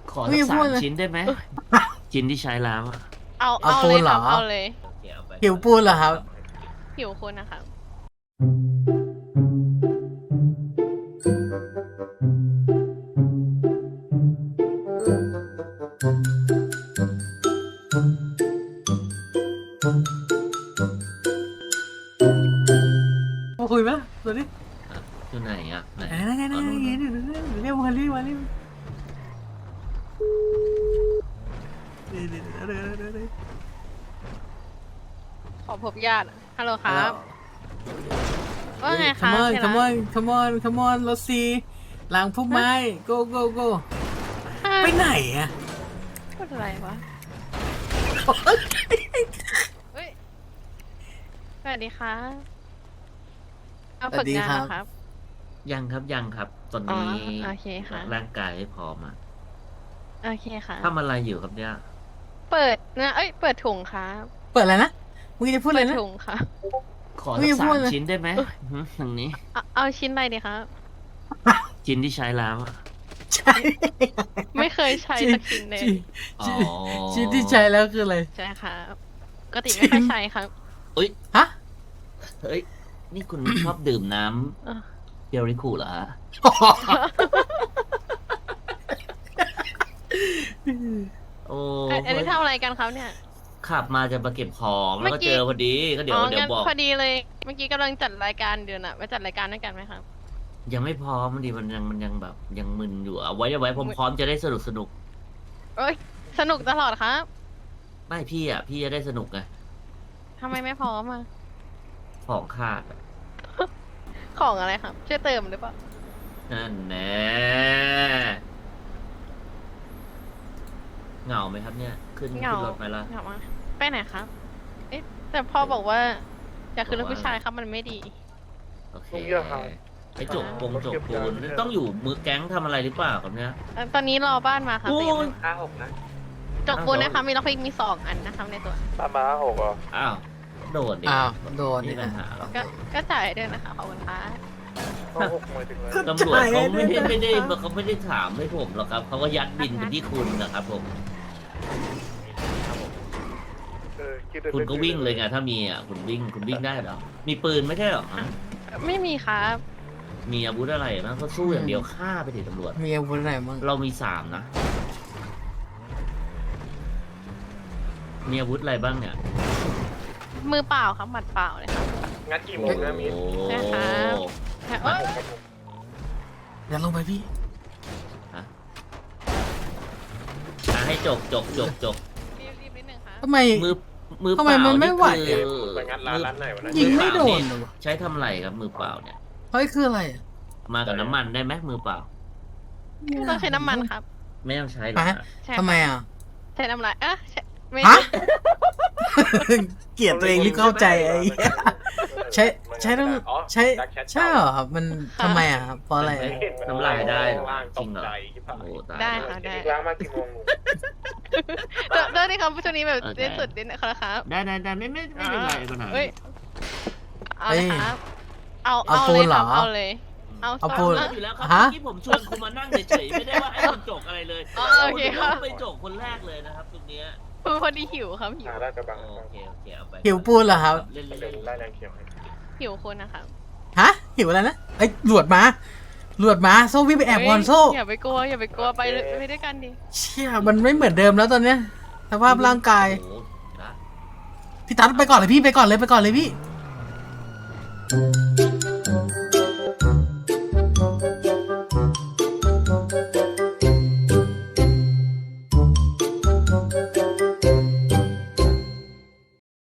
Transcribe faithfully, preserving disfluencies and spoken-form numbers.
ขอสักสามชิ้นได้ไหมชิ้นที่ใช้แล้วอะเอาเอาเลยครับเอาเลยโอเคเอาไปหิวปูนเหรอครับหิวคุณนะครับมาคุยไหมตัวนี้อยู่ไหนอ่ะไหนไหนไหนไหนอ๋อนู่นไหนนู่นเรียกมาเรียกมาเรียกนี่นี่นี่นี่นี่นี่ขอพบญาติฮัลโหลครับว่าไงครับ Come on ที่รัก come on come on come on รถซีหลังพุ่มไม้ go go go ไปไหนอะพูดอะไรวะเฮ้ยสวัสดีครับเอาฝึกงานเหรอครับยังครับยังครับ ตอนอ๋อนี้โอเคค่ะร่างกายไม่พร้อมอ่ะโอเคค่ะทำอะไรอยู่ครับเนี่ยเปิดนะเอ้ยเปิดถุงครับเปิดอะไรนะมึงจะพูดอะไรเปิดนะถุงค่ะขอไม่สักพูสาดมเลยชิ้นได้ไหมหืมทางนี้เอาเอาชิ้นอะไรดีครับชิ้นที่ใช้แล้วอะใช่ไม่เคยใช้สักชิ้นเลยอ๋อชิ้นชิ้นที่ใช้แล้วคืออะไรใช่ครับปกติไม่ค่อยใช้ครับอุ้ยฮะเฮ้ยนี่คุณ ชอบดื่มน้เออำเดริคูเหรอฮะโอ้เอ้ยอันนี้ทำอะไรกันครับเนี่ยขับมาจะมาเก็บของแล้วเมื่ก็อกี้เจอพอดีก็เดี๋ยวอ๋อเดี๋ยงั้วน บอกพอดีเลย เมื่อกี้กำลังจัดรายการเดือนอะมาจัดรายการด้วยกันไหมครับยังไม่พร้อมมันดีมันยังมันยังแบบยังมึนอยู่เอาไว้เอาไว้ผมพร้อมจะได้สนุกสนุกเอ้ยสนุกตลอดครับไม่พี่อ่ะพี่จะได้สนุกไงทำไมไม่พร้อมอ่ะของขาดอะของอะไรครับ ช่วยเติมหรือเปล่านั่นแน่เหงาไหมครับเนี่ย ขึ้นเหงาขึ้นรถไหมล่ะเหงามากไปไหนครับ เอ๊ะแต่พ่อบอกว่าอยากขึ้นรถผู้ชายครับมันไม่ดีโอเคต้องเยอะครับไปจกปงจกปูนต้องอยู่มือแก๊งทำอะไรหรือเปล่าครับเนี่ยเอ่อตอนนี้รอบ้านมาครับโอ้แต่ยังไม่ยห้าหกนะจกปูนนะคะมีล็อกพิกมีสองอันนะครับในตัวตามมาห้าหกเหรออ้าวโดนดิอ้าวโดนนี่นี่ปัญนะหาหรอก็ก็จ่ายด้วยนะคะขอบคุณค่ะห้าหกหมายถึงอะไรตำรวจเขาไม่ได้จ่ายด้วยนะไม่ได้เขาไม่ได้ถามให้ผมหรอกครับเขาก็ยัดบินไปที่คุณนะครับผมเออคิดได้คุณก็วิ่งเลยไงถ้ามีอ่ะคุณวิ่งคุณวิ่งได้เหรอมีปืนไม่ใช่เหรอฮะไม่มีครับมีอาวุธอะไรบ้างก็สู้อย่างเดียวฆ่าไปดิตำรวจมีอาวุธอะไรบ้างเรามีสามนะ มีอาวุธอะไรบ้างเนี่ยมือเปล่าครับหมัดเปล่าเลยครับงัดกี่โมงนะมีโอ้นะครับ เอ้ยอย่าลงไปพี่อ่ะให้จกจกจกจกรีบรีบนิดนึงครับทำไมมือมือทำไมมันไม่ไหวเปล่าไปงัดร้านร้านไหนวะนะยิงไม่โดนเลยวะใช้ทำอะไรครับมือเปล่าเนี่ยเฮ้ยคืออะไรอะมากับน้ำมันได้ไหมมือเปล่าไม่ต้องใช้น้ำมันครับไม่ต้องใช้หรอกฮะนะใช่ทำไมอ่ะใช้น้ำลายเอ๊ะใช้ไม่ฮะ เกลียดตัวเองรีบเข้าใจไอ้เหี้ยใช้ใช้ต้องใช้ใช่เหรอครับมันทำไมอ่ะครับเพราะอะไรอะน้ำลายได้เหรอล่างจตริกงเหรอใจที่ผ่านโอ้ตายได้แล้วค่ะได้ล้างมากี่โมงเดี๋ยวเดี๋ยวนี่ครับช่วงนี้แบบโอเคเล่นสุดนิดนะครับได้ได้ได้ไม่ไม่ไม่เป็นไรปัญหาเอ้ยเอาเลยครับเอาเอาเอาปูเลนยเหครรัอบเอาเลย เอาเอาสปูนองอยู่แล้วครับฮะเมื่อกี้ผมชวนคุณมานั่งเฉยๆไม่ได้ว่าให้คุณจกอะไรเลยอ๋อโอเคครับไปจกคนแรกเลยนะครับตรงเนี้ยคือพอดีหิวครับหิวหาได้กระบังโอเคโอเคเอาไปหิวปูนเหรอครับเล่นเดี๋เล่ยวน ไล่แรงเขียวให้หิวคนนะครับฮะหิวอะไรนะไอ้ยหลวดมาหลวดมาโซ่วิ่งไปแอบก่อนโซ่อย่าไปกลัวอย่าไปกลัวไปเลยไปด้วยกันดิเชี่ยมันไม่เหมือนเดิมแล้วตอนเนี้ยสภาพร่างกายโอ้โหนะพี่ตั๊ดไปก่อนเลยพี่ไปก่อนเลยไปก่อนเลยพี่โ